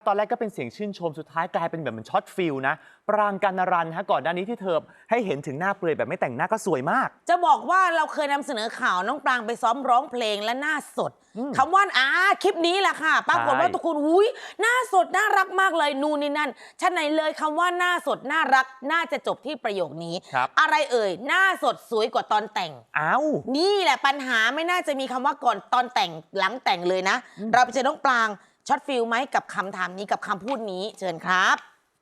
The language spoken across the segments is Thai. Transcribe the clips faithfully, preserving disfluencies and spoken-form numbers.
ตอนแรกก็เป็นเสียงชื่นชมสุดท้ายกลายเป็นแบบเหมือนช็อตฟิลนะปรางกัณรันฮะก่อนหน้านี้ที่เธอให้เห็นถึงหน้าเปลือยแบบไม่แต่งหน้าก็สวยมากจะบอกว่าเราเคยนำเสนอข่าวน้องปรางไปซ้อมร้องเพลงและหน้าสดคำว่าอ่าคลิปนี้แหละค่ะปรากฏว่าทุกคนอุ้ยหน้าสดน่ารักมากเลยนู่นนี่นั่นชั้นไหนเลยคำว่าหน้าสดน่ารักน่าจะจบที่ประโยคนี้อะไรเอ่ยหน้าสดสวยกว่าตอนแต่งอ้าวนี่แหละปัญหาไม่น่าจะมีคำว่าก่อนตอนแต่งหลังแต่งเลยนะเราไปเจอน้องปรางช็อตฟิลไหมกับคำถามนี้กับคำพูดนี้เชิญครับ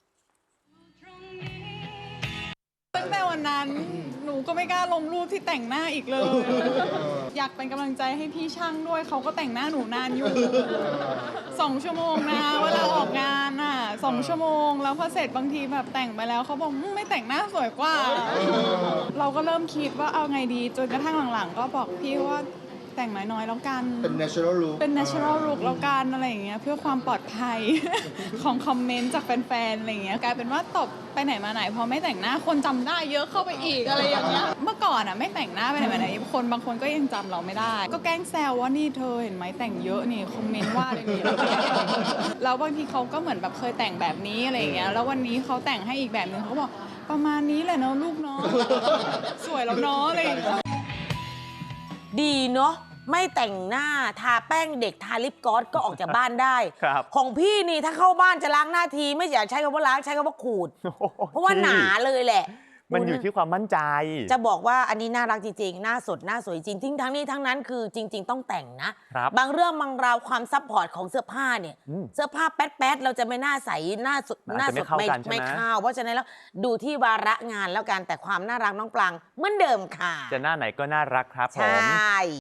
ตั้งแต่วันนั้นหนูก็ไม่กล้าลงรูปที่แต่งหน้าอีกเลย อยากเป็นกำลังใจให้พี่ช่างด้วยเขาก็แต่งหน้าหนูนานอยู่สองชั่วโมงนะเวลาออกงานอ่ะสองชั่วโมงแล้วพอเสร็จบางทีแบบแต่งไปแล้วเขาบอกไม่แต่งหน้าสวยกว่า เราก็เริ่มคิดว่าเอาไงดีจนกระทั่งหลังๆก็บอกพี่ว่าแต่งน้อยๆแล้วกันเป็น natural look เป็น natural look แล้วกันอะไรอย่างเงี้ยเพื่อความปลอดภัย ของคอมเมนต์จากแฟนๆอะไรอย่างเงี้ยกลายเป็นว่าตบไปไหนมาไหนพอไม่แต่งหน้าคนจำได้เยอะเข้าไปอีกอะไรอย่างเงี้ยเมื่อก่อนอ่ะไม่แต่งหน้าไปไหนมาไหนคนบางคนก็ยังจำเราไม่ได้ก็แกล้งแซวว่านี่เธอเห็นไหมแต่งเยอะนี่คอมเมนต์ว่าอะไรนี่แล้วบางทีเขาก็เหมือนแบบเคยแต่งแบบนี้อะไรอย่างเงี้ยแล้ววันนี้เขาแต่งให้อีกแบบนึงเขาบอกประมาณนี้แหละเนาะลูกเนาะสวยแล้วเนาะอะไรอย่างเงี้ยดีเนาะไม่แต่งหน้าทาแป้งเด็กทาลิปกลอสก็ออกจากบ้านได้ของพี่นี่ถ้าเข้าบ้านจะล้างหน้าทีไม่อยากใช้คำว่าล้างใช้คำว่าขูดเพราะว่าหนาเลยแหละมันอยู่ที่ความมั่นใจจะบอกว่าอันนี้น่ารักจริงๆหน้าสดหน้าสวยจริงทิ้งทั้งนี้ทั้งนั้นคือจริงๆต้องแต่งนะบางเรื่องบางราวความซัพพอร์ตของเสื้อผ้าเนี่ยเสื้อผ้าแป๊ดๆเราจะไม่น่าใสหน้าสดหน้าสดไม่ไม่เข้าเพราะฉะนั้นแล้วดูที่วาระงานแล้วกันแต่ความน่ารักน้องปรางเหมือนเดิมค่ะจะหน้าไหนก็น่ารักครับผมใช่